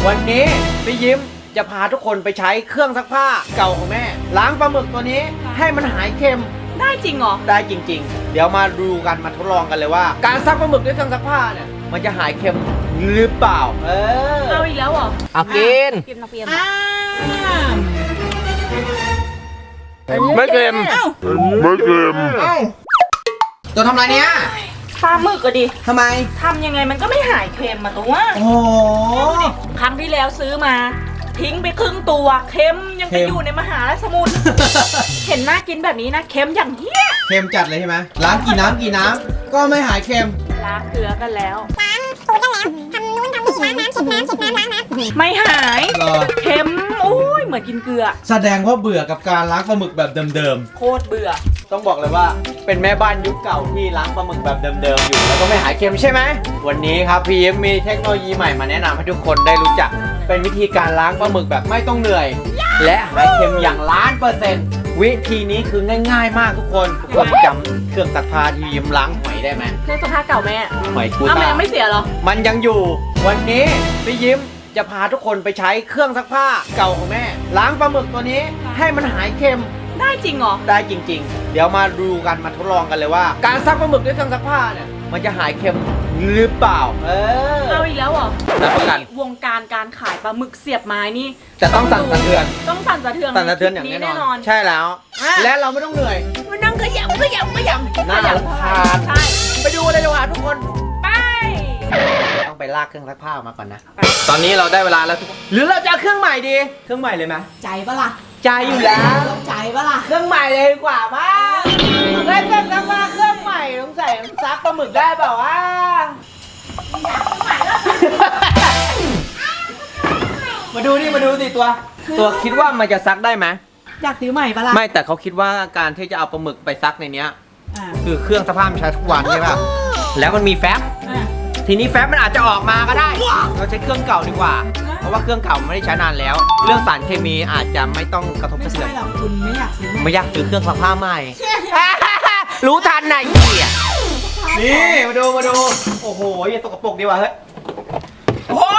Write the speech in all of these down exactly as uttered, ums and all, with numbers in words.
วันนี้พี่ยิ้มจะพาทุกคนไปใช้เครื่องซักผ้าเก่าของแม่ล้างปลาหมึกตัวนี้ให้มันหายเค็มได้จริงเหรอได้จริงๆเดี๋ยวมาดูกันมาทดลองกันเลยว่าการซักปลาหมึกด้วยเครื่องซักผ้าเนี่ยมันจะหายเค็มหรือเปล่าเออเอาอีกแล้วเหรอเอากินกินน้ำเปรี้ยวไม่เค็มไม่เค็มตัวทำอะไรเนี้ยปลาหมึกก็ดิทำไมทำยังไงมันก็ไม่หายเค็มมาตัวโอ้ครั้งที่แล้วซื้อมาทิ้งไปครึ่งตัวเค็มยังไปอยู่ในมหาสมุทร เห็นน่ากินแบบนี้นะเค็มอย่างเหี้ยเค็มจัดเลยใช่ไหมล้างกี่น้ำกี่น้ำก็ไม่หายเค็มล้างเกลือกันแล้วล้างตัวกันแล้วทำนู้นทำนี่ล้างน้ำเช็ดน้ำเช็ดน้ำล้างน้ำไม่หายเค็มโอ้ยเหมือนกินเกลือแสดงว่าเบื่อกับการล้างปลาหมึกแบบเดิมๆโคตรเบื่อต้องบอกเลยว่าเป็นแม่บ้านยุคเก่าที่ล้างปลาหมึกแบบเดิมๆอยู่แล้วก็ไม่หายเค็มใช่ไหมวันนี้ครับพี่ยิ้มมีเทคโนโลยีใหม่มาแนะนำให้ทุกคนได้รู้จักเป็นวิธีการล้างปลาหมึกแบบไม่ต้องเหนื่อยและหายเค็มอย่างล้านเปอร์เซ็นต์วิธีนี้คือง่ายๆมากทุกคนทุกคนจำเครื่องซักผ้าที่ยิ้มล้างหอยได้ไหมเครื่องซักผ้าเก่าแม่หอยกูตาแม่ไม่เสียหรอมันยังอยู่วันนี้พี่ยิ้มจะพาทุกคนไปใช้เครื่องซักผ้าเก่าของแม่ล้างปลาหมึกตัวนี้ให้มันหายเค็มได้จริงเหรอได้จริงๆเดี๋ยวมาดูกันมาทดลองกันเลยว่าการซักปลาหมึกด้วยเครื่องซักผ้าเนี่ยมันจะหายเค็มหรือเปล่าเออเอาอีกแล้วเหรอรับประกันวงการการขายปลาหมึกเสียบไม้นี่จะต้องสั่นสะเทือนต้องสั่นสะเทือนสั่นสะเทือนอย่างแน่นอนใช่แล้วและเราไม่ต้องเหนื่อยมันนั่งขยำขยำขยำน่ารำคาญใช่ไปดูเลยดีกว่าทุกคนไปต้องไปลากเครื่องซักผ้ามาก่อนนะตอนนี้เราได้เวลาแล้วทุกคนหรือเราจะเอาเครื่องใหม่ดีเครื่องใหม่เลยไหมใจปะล่ะใจอยู่แล้วใจปะล่ะเครื่องใหม่เลยดีกว่ามั้งได้เครื่องซักผ้าเครื่องใหม่ต้องใส่ซักปลาหมึกได้เปล่าวะมาดูนี่มาดูสิตัวตัวคิดว่ามันจะซักได้ไหมอยากซื้อใหม่ปะล่ะไม่แต่เขาคิดว่าการที่จะเอาปลาหมึกไปซักในเนี้ยคือเครื่องซักผ้ามันใช้ทุกวันใช่ป่ะแล้วมันมีแฟบทีนี้แฟบมันอาจจะออกมาก็ได้เราใช้เครื่องเก่าดีกว่าเพราะว่าเครื่องเก่าไม่ได้ใช้นานแล้วเรื่องสารเคมีอาจจะไม่ต้องกระทบกระเทือนไม่ใช่หรอกคุณไม่อยากซื้อไม่อยากซื้อเครื่องซักผ้าใหม่รู้ทันไหนเหี้ยนี่มาดูมาดูโอ้โหอย่าตกกระปรกดีกว่าเฮ้ยโอ้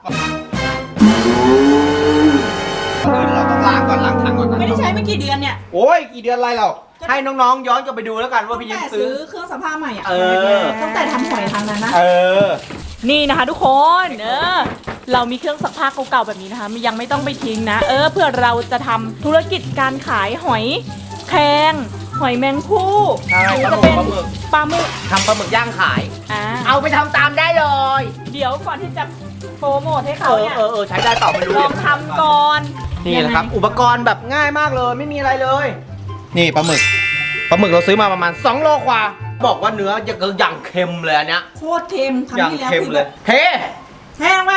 เราต้องล้างก่อนล้างถังก่อนไม่ได้ใช้ไม่กี่เดือนเนี่ยโอ้ยกี่เดือนอะไรเราให้น้องๆย้อนกลับไปดูแล้วกันว่าพี่ยิ้มซื้อเครื่องซักผ้าใหม่อ่ะตั้งแต่ทำหอยทางนั้นนะเออนี่นะคะทุกคนเออเรามีเครื่องซักผ้าเก่าๆแบบนี้นะคะยังไม่ต้องไปทิ้งนะเออเพื่อเราจะทำธุรกิจการขายหอยแครงหอยแมงผู้หรือจะเป็นปลาหมึกทำปลาหมึกย่างขายอ่าเอาไปทำตามได้เลยเดี๋ยวก่อนที่จะโปรโมทให้เขาเนี่ยเออเออใช้ได้ต่อไม่รู้ลองทำก่อนนี่แหละครับอุปกรณ์แบบง่ายมากเลยไม่มีอะไรเลยนี่ปลาหมึกปลาหมึกเราซื้อมาประมาณสองโลกว่าบอกว่าเนื้อจะอย่างเค็มเลยอันเนี้ยโคตรเค็มครั้งที่แล้วคือเลยเฮ้แห้งไหม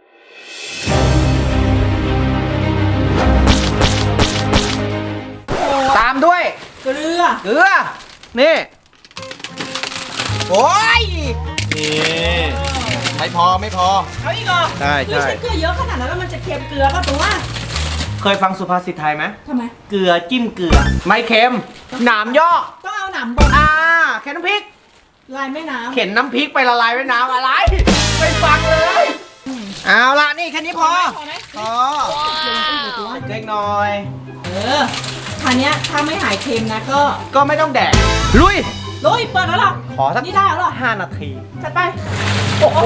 ตามด้วยเกลือเกลือนี่โอ้ยนี่ไม่พอไม่พอเอาอีกเหรอใช่ใช่ใช้เกลือเยอะขนาดนั้นแล้วมันจะเค็มเกลือป่ะตัวเคยฟังสุภาษิตไทยไหมทำไมเกลือจิ้มเกลือไม่เค็มหนามย่อต้องเอาหนามบดอ่าแค่น้ำพริกลายแม่น้ำเข็นน้ำพริกไปละลายแม่น้ำอะไรไม่ฟังเลยเอาละนี่แค่นี้พอพอเล็กน้อยเออคราวนี้ถ้าไม่หายเค็มนะก็ก็ไม่ต้องแดกลุยลุยเปิดแล้วหรอขอสักนี่ได้แล้วหรอห้านาทีจัดไปโอ้โห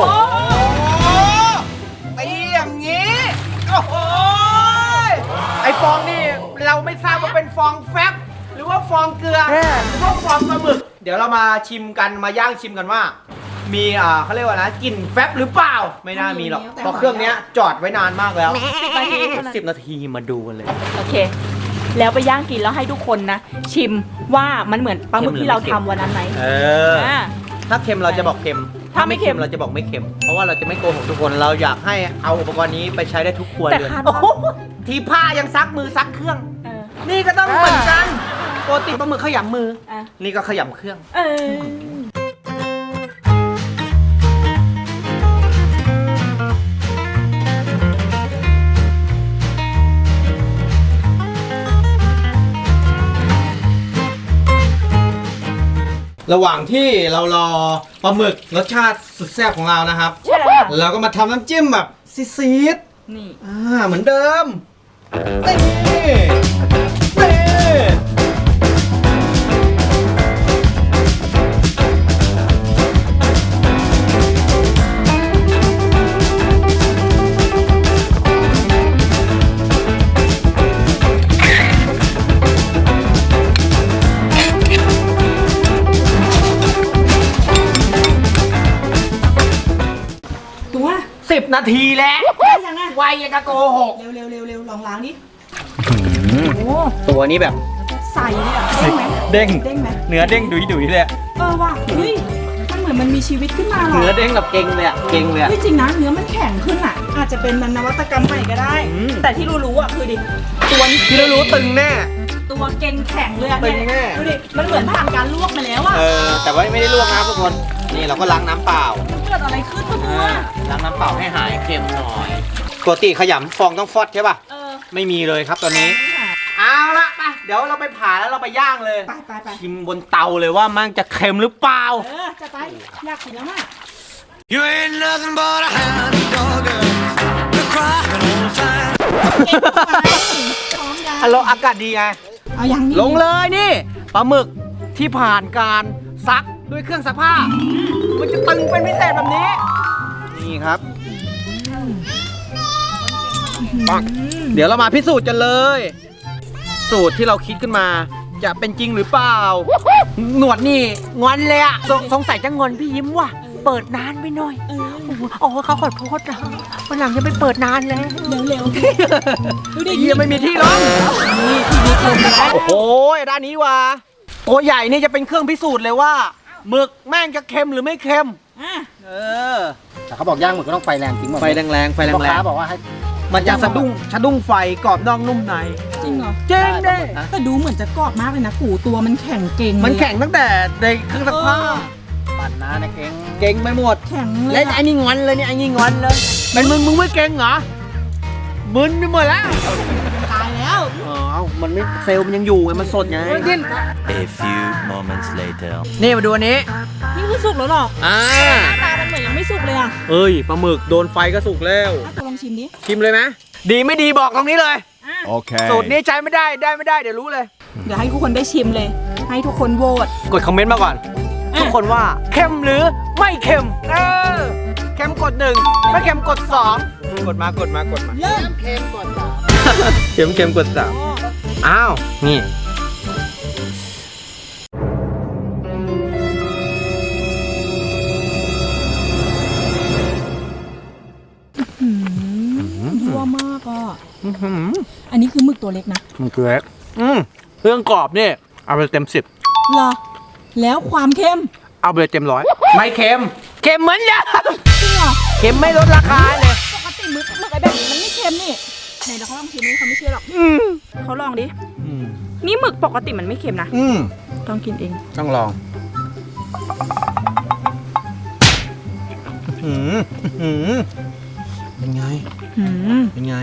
ตีอย่างนี้โอ้โหไอฟองนี่เราไม่ทราบว่าเป็นฟองแฟบหรือว่าฟองเกลือหรือว่าฟองปลาหมึกเดี๋ยวเรามาชิมกันมาย่างชิมกันว่ามีอ่าเขาเรียกว่านะกลิ่นแฟบหรือเปล่าไม่น่ามีหรอกเพราะเครื่องนี้จอดไว้นานมากแล้วสิบนาทีสิบนาทีมาดูกันเลยโอเคแล้วไปย่างกินแล้วให้ทุกคนนะชิมว่ามันเหมือนปลาหมึกที่เราทำวันนั้นไหมเออถ้าเค็มเราจะบอกเค็มถ้าไม่เค็มเราจะบอกไม่เค็มเพราะว่าเราจะไม่โกหกทุกคนเราอยากให้เอาอุปกรณ์นี้ไปใช้ได้ทุกครัวเรือนทีผ้ายังซักมือซักเครื่องนี่ก็ต้องเหมือนกันปกติปลาหมึกขยำมือนี่ก็ขยำเครื่องเออระหว่างที่เรารอปลาหมึกรสชาติสุดแซ่บของเรานะครับเราก็มาทำน้ำจิ้มแบบซีดนี่อ่าเหมือนเดิมนี่นี่ตัวสิบนาทีแล้วได้ยังอ่ะไวยังกะโกหกเร็วเร็วเร็วเร็วลองล้างดิโอ้ตัวนี้แบบใส่เลยอ่ะเด้งไหมเด้งเด้งไหมเนื้อเด้งดุยดุยเลยอะเออว่ะเฮ้ยมันเหมือนมันมีชีวิตขึ้นมาหรอเนื้อเด้งแบบเก่งเลยอะเก่งเลยอะเฮ้ยจริงนะเนื้อมันแข็งขึ้นอ่ะ อาจจะเป็นนวัตกรรมใหม่ก็ได้อืมแต่ที่รู้ๆอ่ะคือดิตัวนี้ที่เรารู้ตึงแน่ตัวเก่งแข็งเลยอ่ะเป็นไงดูดิมันเหมือนผ่านการลวกมาแล้วอ่ะเออแต่ว่าไม่ได้ลวกนะครับทุกคนนี่เราก็ล้างน้ำเปล่าเกิดอะไรขึ้นวะตัวอ่าล้างน้ำเปล่าให้หายเค็มหน่อยปกติขยำฟองต้องฟอดใช่ป่ะเออไม่มีเลยครับตอนนี้ เอาละไปเดี๋ยวเราไปผ่าแล้วเราไปย่างเลยไปไปไปชิมบนเตาเลยว่ามันจะเค็มหรือเปล่าเออจะไปอยากกินแล้วอ่ะ You ain't nothing but a hound dog, you're crying all the time. เก่งเข้าไปพร้อมยังฮัลโหลอากาศดีไงเอายังนี่ลงเลยนี่ปลาหมึกที่ผ่านการซักด้วยเครื่องซักผ้า มันจะตึงเป็นพิเศษแบบนี้ นี่ครับปังเดี๋ยวเรามาพิสูจน์กันเลย สูตรที่เราคิดขึ้นมา จะเป็นจริงหรือเปล่า หนวดนี่งอนเลยอะสงสงสัยจะงอนพี่ยิ้มว่ะ เปิดนานไปหน่อยเออโอ้โหเขาขอโทษนะวันหลังจะไปเปิดนานแล้วเร็วเร็วดูดิเยี่ยไม่มีที่ร้องนี่ที่นี่เกินแล้วโอ้โหด้านนี้ว่ะตัวใหญ่นี่จะเป็นเครื่องพิสูจน์เลยว่าหมึกแม่งจะเค็มหรือไม่เค็มอ่ะเออแต่เขาบอกย่างหมึกก็ต้องไฟแรงจริงหมดไฟแรงๆไฟแรพ่อค้าง บอกว่าให้ๆมันจะสะดุ้งสะดุ้งไฟกรอบนอกนุ่มในจริงเหรอเจ๊งเด้แต่ดูเหมือนจะกรอบมากเลยนะกูตัวมันแข็งเก่งเลยมันแข็งตั้งแต่ในเครื่องซักผ้าปั่นนะนะเก่งเก่งไปหมดแข็งเลและยไอ้นี่งอนเลยเนี่ยไอ้นี่งอนเลยเป็นมึงมึงไม่เก่งเหรอมึนไปหมดแล้วตายแล้วอ๋อมันไม่เซลล์มันยังอยู่ไงมันสดไง A few moments later. นี่มาดูอันนี้นี่คือสุกแล้วหรออ่าหน้าตามันเหมือนยังไม่สุกเลยอ่ะเอ้ยปลาหมึกโดนไฟก็สุกแล้วอ่ะตัวลองชิมดิชิมเลยไหมดีไม่ดีบอกตรงนี้เลยอ่ะ Okay. สูตรนี้ใช้ไม่ได้ได้ไม่ได้เดี๋ยวรู้เลยเดี๋ยวให้ทุกคนได้ชิมเลย ให้ทุกคนโหวตกดคอมเมนต์มาก่อนอ่ะทุกคนว่าเค็มหรือไม่เค็มเออเค็มกดหนึ่งไม่เค็มกดสองกดมากดมากดมาเริ่มเค็มก่อนสามเค็มเค็มกดสามอ้าวนี่ยั่วมากอ่ะอันนี้คือหมึกตัวเล็กนะมันคือเล็กอืมเครื่องกรอบนี่เอาไปเต็มสิบเหรอ แล้วความเค็มเอาไปเต็มร้อยไม่เค็มเค็มเหมือนเดิมจริงเหรอเค็มไม่ลดราคาเลยปกติหมึกหมึกไอ้แบบนี้มันไม่เค็มนี่ไหนเดี๋ยวเขาลองชิมนี่เขาไม่เชื่อหรอกอืมเขาลองดิ นี่หมึกปกติมันไม่เค็มนะอืมต้องกินเองต้องลองอืมอืมเป็นไงหืมเป็นไง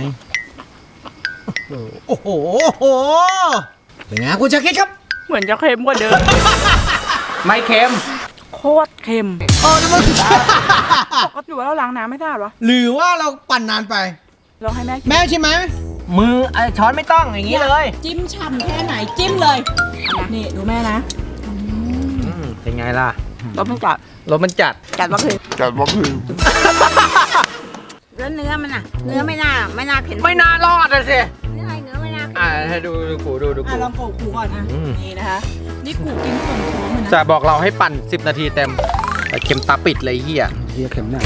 โอ้โห โอ้โห เป็นไงคุณชาคิดครับเหมือนจะเค็มกว่าเดิมไม่เค็มโคตรเค็มโอ้นี่มันปกติว่าเราล้างน้ำไม่สะอาดวะหรือว่าเราปั่นนานไปเราให้แม่กินแม่ใช่ไหม มือไอ้ช้อนไม่ต้องอย่างนี้เลยจิ้มฉ่ำแค่ไหนจิ้มเลยนี่ดูแม่นะเป็นไงล่ะรสมันจัดรสมันจัดจัดว่าคือแล้วเนื้อมันอ่ะ เนื้อไม่น่าไม่น่าเผ็ดไม่น่ารอดเลยสิเนื้ออะไรเนื้อไม่น่าเผ็ดอ่าให้ดูดูกูดูดูอ่ะกูลองโขกหูก่อนอ่ะอืมนี่นะคะ นี่กูกินส่วนท้องมันนะจะบอกเราให้ปั่นสิบนาทีเต็มแต่เค็มตาปิดเลยไอ้เฮียเคี้ยวเค็มเนี่ย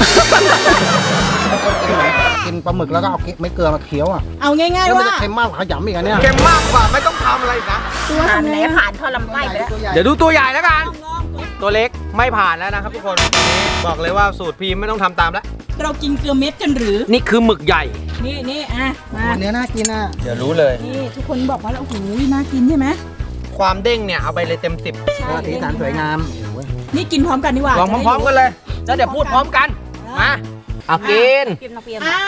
กินปลาหมึกแล้วก็เอาไม่เกลือมาเคี้ยวอ่ะเอาง่ายแล้วๆมันว่าจะเค็มมากกว่าขยำอีกอันเนี่ยเค็มมากกว่าไม่ต้องทำอะไรอีกนะตัวผ่านทำไหนไงผ่านท่อลำไส้ไปแล้วตัวใหญ่เดี๋ยวดูตัวใหญ่แล้วกันลองๆๆตัวเล็กไม่ผ่านแล้วนะครับทุกคนบอกเลยว่าสูตรพีมไม่ต้องทำตามแล้วเรากินเกลือเม็ดกันหรือนี่คือหมึกใหญ่นี่นี่อ่ะมาเนื้อน่ากินอ่ะเดี๋ยวรู้เลยนี่ทุกคนบอกว่าโอ้โหน่ากินใช่ไหมความเด้งเนี่ยเอาไปเลยเต็มสิบใช่สีสันสวยงามโอ้ยนี่กินพร้อมกันดีกว่าลองพร้อมๆกันเลยแล้วเดี๋ยวพูดพร้อมกันมาเอากินกินน้ำเปรี้ยวอ่า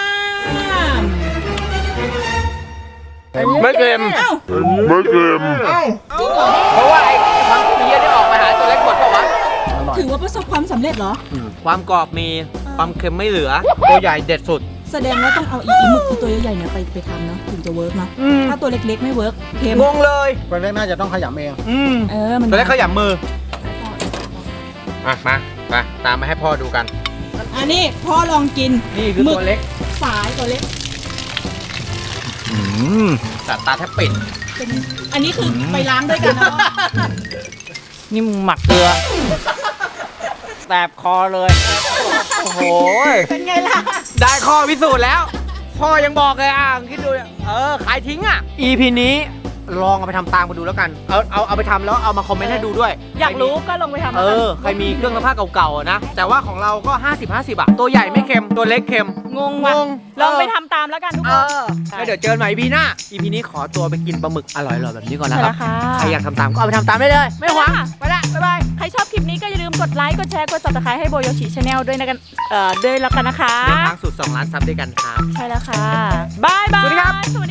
ไม่เค็มเอ้าเพราะว่าไอ้ความเพี้ยที่ออกมาหาตัวเล็กหมดเปล่าวะถือว่าประสบความสำเร็จเหรอความกรอบมีความเค็มไม่เหลือ ตัวใหญ่เด็ดสุดแสดงว่าต้องเอาอีอีหมึกที่ตัวใหญ่ๆเนี่ยไปไปทำเนาะถึงจะเวิร์กเนาะอืมถ้าตัวเล็กๆไม่เวิร์กเค็มงงเลยตัวเล็กน่าจะต้องขยำเองอืมเออมันตัวเล็กเขาหยำมืออ่ะมาไปตามมาให้พ่อดูกันอันนี้พ่อลองกินนี่คือตัวเล็กสายตัวเล็กอืมแต่ตาแทบปิดเป็นอันนี้คือไปล้างด้วยกันนะพ่อนี่มึงหมักเกลือแสบคอเลย โอ้โหเป็นไงล่ะได้ข้อพิสูจน์แล้ว พ่อยังบอกเลยอ่ะคิดดูเนี่ยเออ ขายทิ้งอ่ะ อี พี นี้ลองเอาไปทำตามกันดูแล้วกัน เอาเอาเอาไปทำแล้วเอามาคอมเมนต์ให้ดูด้วยอยากรู้ก็ลงไปทำเออ ใครมีเครื่องซักผ้าเก่าๆอะนะ แต่ว่าของเราก็ ห้าสิบ ห้าสิบ อ่ะ ตัวใหญ่ไม่เค็ม ตัวเล็กเค็มงงว่ะงงลองไปเออทำตามแล้วกันทุกเอคนอแล้วเดี๋ยวเจอกันใหม่ อี พี หน้า อี พี นี้ขอตัวไปกินปลาหมึกอร่อยๆแบบนี้ก่อนนะใช่คแล้รับวค่ะใครอยากทำตามก็เอาไปทำตามได้เลย ไม่หวังไปละบ๊ายบาย ใครชอบคลิปนี้ก็อย่าลืมกดไลค์ กดแชร์ กด ซับสไครต์ ให้โบโยชิชาแนลด้วยนะกัน เอ่อ ด้วยแล้วกันนะคะเดินทางสู่สองล้านซับด้วยกันครับใช่แล้วค่ะบายบายสวัสดีครับสวัส